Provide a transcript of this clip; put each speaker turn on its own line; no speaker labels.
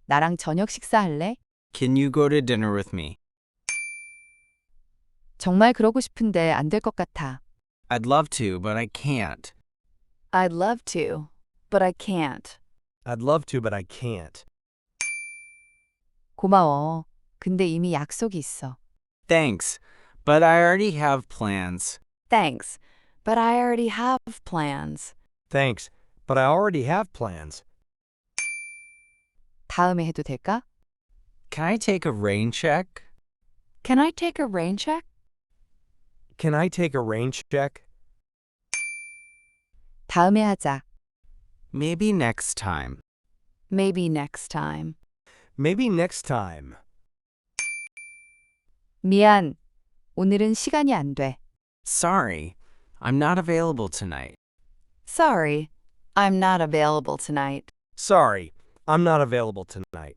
나랑 저녁 식사할래?
Can you go to dinner with me?
정말 그러고 싶은데 안 될 것 같아.
I'd love to, but I can't.
I'd love to, but I can't.
I'd love to, but I can't.
고마워. 근데 이미 약속이 있어.
Thanks, but I already have plans.
Thanks, but I already have plans.
Thanks, but I already have plans.
다음에 해도 될까?
Can I take a rain check?
Can I take a rain check?
Can I take a rain check?
다음에 하자.
Maybe next time.
Maybe next time.
Maybe next time.
미안. 오늘은 시간이 안 돼.
Sorry, I'm not available tonight.
Sorry, I'm not available tonight.
Sorry, I'm not available tonight.